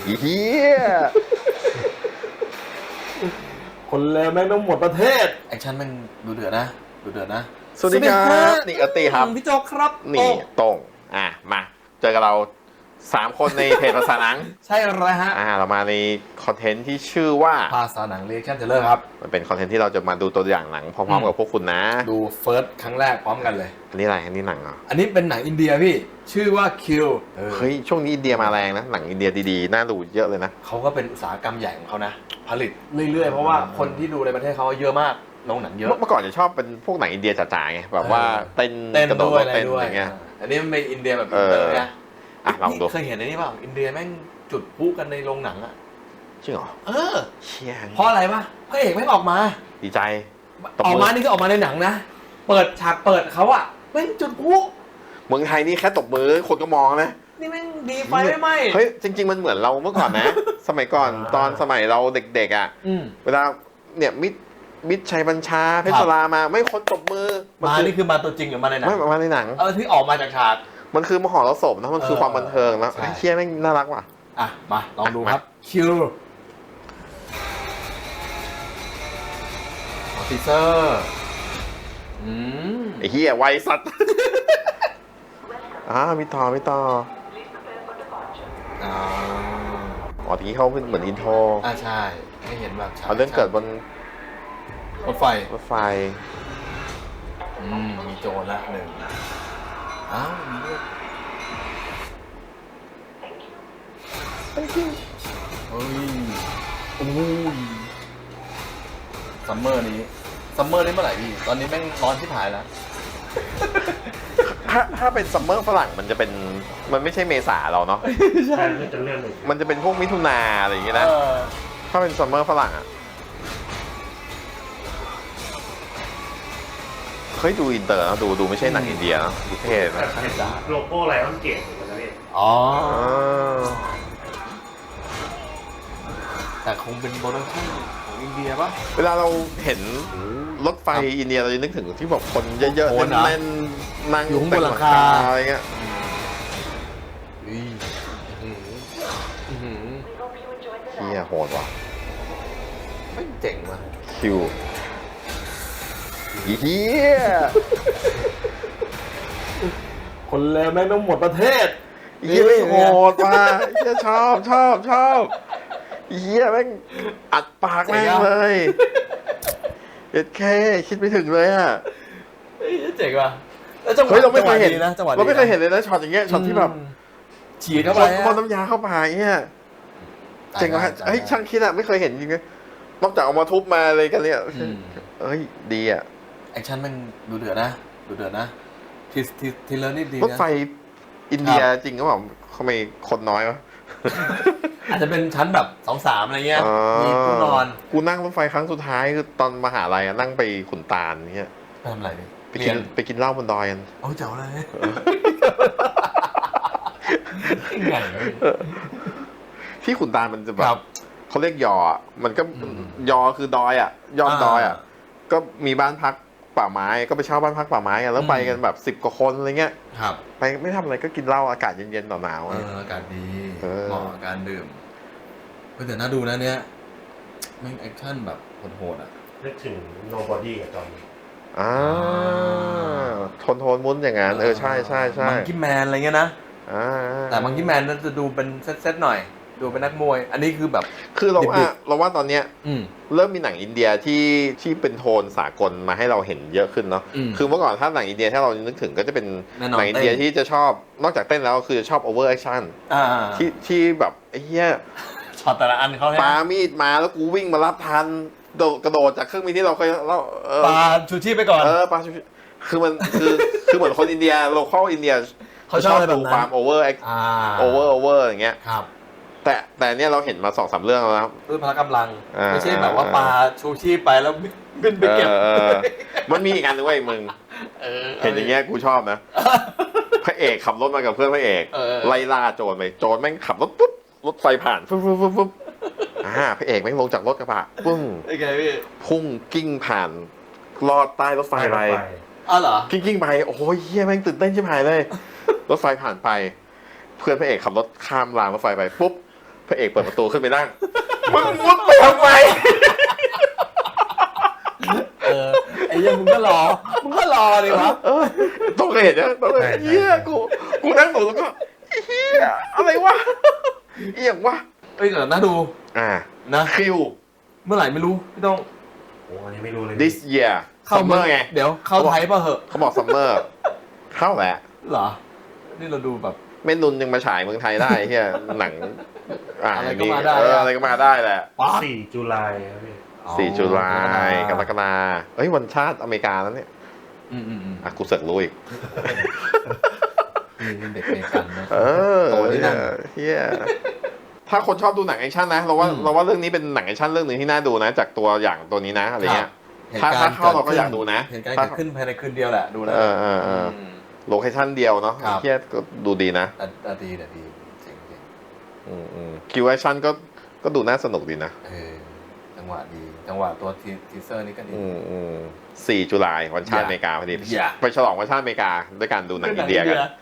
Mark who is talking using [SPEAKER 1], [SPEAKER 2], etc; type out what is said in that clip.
[SPEAKER 1] เฮียคนเลวแม่งต้องหมดประเทศ
[SPEAKER 2] แอคชั่นแม่งดูเดือดนะดูเดือดนะ
[SPEAKER 1] สวัสดีครับนี่อติครับ
[SPEAKER 2] พี่โจกครับ
[SPEAKER 1] นี่ตรงมาเจอกับเรา3 คนในเพจภาษาหนัง
[SPEAKER 2] ใช่เลยฮะ
[SPEAKER 1] เรามาในคอนเทนต์ที่ชื่อว่า
[SPEAKER 2] ภาษาหนังเรียกชั่นเทเลอร์ครับ
[SPEAKER 1] มันเป็นคอนเทนต์ที่เราจะมาดูตัวอย่างหนังพร้อมๆกับพวกคุณนะ
[SPEAKER 2] ดูเฟิร์สครั้งแรกพร้อมกันเลย
[SPEAKER 1] อันนี้อะไรอันนี้หนังเหรอ
[SPEAKER 2] อันนี้เป็นหนังอินเดียพี่ชื่อว่าคิว
[SPEAKER 1] เฮ้ยช่วงนี้อินเดียมาแรงนะหนังอินเดียดีๆน่าดูเยอะเลยนะ
[SPEAKER 2] เขาก็เป็นอุตสาหกรรมใหญ่ของเขานะ ผลิตเรื่อยๆ เพราะว่าคนที่ดูในประเทศเขาเยอะมากโรงหนังเยอะ
[SPEAKER 1] เมื่อก่อนจะชอบเป็นพวกหนังอินเดียจ๋าๆไงแบบว่าเต้น กระโดด
[SPEAKER 2] ด้วย
[SPEAKER 1] เต้น
[SPEAKER 2] ด้ว
[SPEAKER 1] อะไรเงี้ย
[SPEAKER 2] อันนี้มันเป็นอินเดียแบบอินเตอร์นะ
[SPEAKER 1] ลองดู
[SPEAKER 2] เคยเห็นอันนี้เปล่าอินเดียแม่งจุดพลุกันในโรงหนังอะ
[SPEAKER 1] จริงเหรอ เชี่ย
[SPEAKER 2] เพราะอะไรปะพระเอกแม่งออกมา
[SPEAKER 1] ดีใจ
[SPEAKER 2] ออกมานี่คือออกมาในหนังนะ เปิดฉากเปิดเขาอะแม่งจุดพลุ
[SPEAKER 1] เมืองไทยนี่แค่ตบมือคนก็มองนะ
[SPEAKER 2] นี่แม่งดีไฟไม่ไหม
[SPEAKER 1] เฮ้ยจริงๆมันเหมือนเราเมื่อก่อนนะ สมัยก่อนตอนสมัยเราเด็กๆอ่ะเวลาเนี่ยมิตรชัยบัญชาเพชรสรามาไม่คนตบมือ
[SPEAKER 2] มานี่คือมาตัวจริงหรือมาในหนัง
[SPEAKER 1] ไม่มาในหนัง
[SPEAKER 2] ที่ออกมาจากฉาก
[SPEAKER 1] มันคือมหรสพนะมันคือความบันเทิงนะ
[SPEAKER 2] ใช่
[SPEAKER 1] ไอ้เชี่ยแม่งน่ารักว่ะ
[SPEAKER 2] มาลองดูครับคิวออฟิเซอร์
[SPEAKER 1] ไอ้เหี้ยไวสัตว์ มีต่อทีนี้เขาเป็นเหมือนอินโทร
[SPEAKER 2] ใช่ไม่เห็นแบบฉาก
[SPEAKER 1] เรื่องเกิดบน
[SPEAKER 2] รถไฟ มีโจรละหนึ่งมีเรื่องเฮ้ยโอ้ยซัมเมอร์นี้เมื่อไหร่พี่ตอนนี้แม่งร้อนที่ถ่ายแล้ว
[SPEAKER 1] ถ้าเป็นซัมเมอร์ฝรั่งมันไม่ใช่เมษาเราเนาะ
[SPEAKER 3] ใช่จะเลื่อนหนึ่ง
[SPEAKER 1] มันจะเป็นพวกมิถุนาอะไรอย่างเงี้ยนะ ถ้าเป็นซัมเมอร์ฝรั่งอ่ะเฮ้ยดูอินเตอร์นะดูไม่ใช่หนังอินเดียนะดูเท่นะ
[SPEAKER 3] เห็นโลโก้ไลออนเกตเหมือนกันนะพี่
[SPEAKER 2] แต่คงเป็นโปรดักชั่นของอินเดียป่ะ
[SPEAKER 1] เวลาเราเห็นรถไฟอินเดียเราจะนึกถึงที่แบบคนเยอะ
[SPEAKER 2] โอ้
[SPEAKER 1] ๆ
[SPEAKER 2] โหนะ
[SPEAKER 1] แน่นๆนั่ง
[SPEAKER 2] อยู่ข้างบนหลังคา
[SPEAKER 1] อะไรเงี้ย เฮียโหดว่ะ
[SPEAKER 2] ไม่เจ๋งว่ะ
[SPEAKER 1] คิวเฮีย
[SPEAKER 2] คนเลวแม่งต้องหมดประเทศ
[SPEAKER 1] เฮียไม่โหดว่ะเฮียชอบเฮียแม่งอัดปากแม่งเลยเด็ดแค่คิดไม่ถึงเลยอ่ะ
[SPEAKER 2] เจ๋งว่ะแล้วจังหวะ
[SPEAKER 1] เฮ้ยเราไม่เคยเห็น
[SPEAKER 2] นะจังหวะ
[SPEAKER 1] เราไม่เคยเห็นเลยนะช็อตอย่างเงี้ยช็อตที่แบบ
[SPEAKER 2] ฉีดเข้าไป
[SPEAKER 1] คนน้ำยาเข้าปากเงี้ยเจ๋งว่ะเฮ้ยช่างคิดอะไม่เคยเห็นจริงๆนอกจากเอามาทุบมาเลยกันเนี่ยเฮ้ยดีอ่ะ
[SPEAKER 2] แอคชั่นมันดูเดือดนะทีเลอร์นี่ดีนะ
[SPEAKER 1] รถไฟอินเดียจริงก็แบบทำไมคนน้อยวะ
[SPEAKER 2] อาจจะเป็นชั้นแบบ2-3อะไรเงี้ยมีผู้นอน
[SPEAKER 1] กูนั่งรถไฟครั้งสุดท้ายคือตอนมหาลัยนั่งไปขุนตาลเงี้ย
[SPEAKER 2] ไปทำอะไร
[SPEAKER 1] ไปกินเหล้าบนดอยกัน
[SPEAKER 2] เอาเจ๋อเลยไง
[SPEAKER 1] ที่ขุนตาลมันจะแบบเขาเรียกยอมันก็ยอคือดอยอ่ะยอดดอยอ่ะก็มีบ้านพักป่าไม้ก็ไปเช่าบ้านพักป่าไม้กันแล้วไปกันแบบ10 กว่าคนอะไรเงี้ยไปไม่ทำอะไรก็กินเหล้าอากาศเย็นๆหนาวๆ
[SPEAKER 2] อากาศดีเหมาะกับการดื่มแต่น่าดูนะเนี้ยแม่งแอคชั่นแบบโหดๆอ่ะ
[SPEAKER 3] นึกถึง Nobody กับจอห์น
[SPEAKER 1] โทนมุ้นอย่างนั้นใช่
[SPEAKER 2] มังกี้แมนอะไรเงี้ยนะแต่มังกี้แมนจะดูเป็นเซตหน่อยดูเป็นนักมวยอันนี้คือแบบ
[SPEAKER 1] คือเราว่าตอนเนี้ยเริ่มมีหนังอินเดียที่เป็นโทนสากลมาให้เราเห็นเยอะขึ้นเนาะคือเมื่อก่อนถ้าหนังอินเดียถ้าเรานึกถึงก็จะเป็นหนังอินเดียที่จะชอบนอกจากเต้นแล้วคือชอบโอเวอร์แอคชั่นที่แบบไอ้เหี้ย
[SPEAKER 2] ช็อตแต่ละอันเขา
[SPEAKER 1] ปามีดมาแล้วกูวิ่งมารับทันกระโดดจากเครื่องบินที่เราเคย
[SPEAKER 2] ปาชูชีพไปก่อน
[SPEAKER 1] ปาชูชีพคือมันคือเหมือนคนอินเดียโลคอลอินเดีย
[SPEAKER 2] เขาชอบดู
[SPEAKER 1] ความโอเวอร์อย่างเงี้ยแต่เนี่ยเราเห็นมา2-3 เรื่องแล้วนะครับ
[SPEAKER 2] ด้วยพละกำลังไม่ใช่แบบว่าปาชูชีพไปแล้วบินไปเก็บ
[SPEAKER 1] มันมีอีกอันนึงว่ามึงเห็นอย่างเงี้ยกูชอบนะพระเอกขับรถมากับเพื่อนพระเอกไล่ล่าโจรไปโจรแม่งขับรถปุ๊บรถไฟผ่านปุ๊บพระเอกแม่งลงจากรถกระบะปึ้งพุ่งกิ้งผ่านลอดใต้รถไฟไป
[SPEAKER 2] เหรอ
[SPEAKER 1] กิ้งไปโอ้ยเฮียแม่งตื่นเต้นชิบหายเลยรถไฟผ่านไปเพื่อนพระเอกขับรถข้ามรางรถไฟไปปุ๊บพระเอกเปิดประตูขึ้นไปนั่งมึงมุดไปทำไม
[SPEAKER 2] ไอ้เหี้ยังมึงก็รอดิวะ
[SPEAKER 1] ต้องเคยเห็นนะต้องเคยเฮียกูนั่งดูแล้วก็เฮียอะไรวะเอียงวะ
[SPEAKER 2] เอ้ยแต่น่าดู นะ
[SPEAKER 1] คิว
[SPEAKER 2] เมื่อไหร่ไม่รู้พี่ต้อง
[SPEAKER 3] โอ้อันนี้ไม่รู้เลย
[SPEAKER 1] this year
[SPEAKER 2] เข้า
[SPEAKER 1] summer ไง
[SPEAKER 2] เดี๋ยวเข้าไทยป่ะเหอะ
[SPEAKER 1] เขาบอก summer เข้าแหละ
[SPEAKER 2] เหรอ นี่เราดูแบบ
[SPEAKER 1] เม่นนุนยังมาฉายเมืองไทยได้เฮียหนัง
[SPEAKER 2] อะไรก็มาได้
[SPEAKER 1] อะไรก็มาได้แหละ
[SPEAKER 2] ป๊าด
[SPEAKER 3] 4 ตุลาครับพี่
[SPEAKER 1] 4 ตุลากรกฎาเฮ้ยวันชาติอเมริกาแล้วเนี่ย
[SPEAKER 2] อืม
[SPEAKER 1] กูเสอกรู้อีก
[SPEAKER 2] นี่เด็กเมกันนะ โตที่นั่น
[SPEAKER 1] เฮียถ้าคนชอบดูหนังแอคชั่นนะเราว่าเรื่องนี้เป็นหนังแอคชั่นเรื่องหนึ่งที่น่าดูนะ จากตัวอย่างตัวนี้นะอะไรเงี้ย ถ้าเข้าเราก็อยากดูนะ
[SPEAKER 2] เหตุการณ์เกิดขึ้นภายในคืนเดียวแหละดูแล้ว
[SPEAKER 1] โลเคชั่นเดียวเนาะ
[SPEAKER 2] ครับ
[SPEAKER 1] เฮียก็ดูดีนะ
[SPEAKER 2] แต่ดีเจ๋ง
[SPEAKER 1] คิวแอคชั่นก็ดูน่าสนุกดีนะ
[SPEAKER 2] จังหวะดีจังหวะตัวทีเซอร์นี่ก็ดี
[SPEAKER 1] 4 ตุลาวันชาติอเมริกาพอดี
[SPEAKER 2] อย่า
[SPEAKER 1] ไปฉลองวันชาติอเมริกาด้วยการดูหนังอินเดียกัน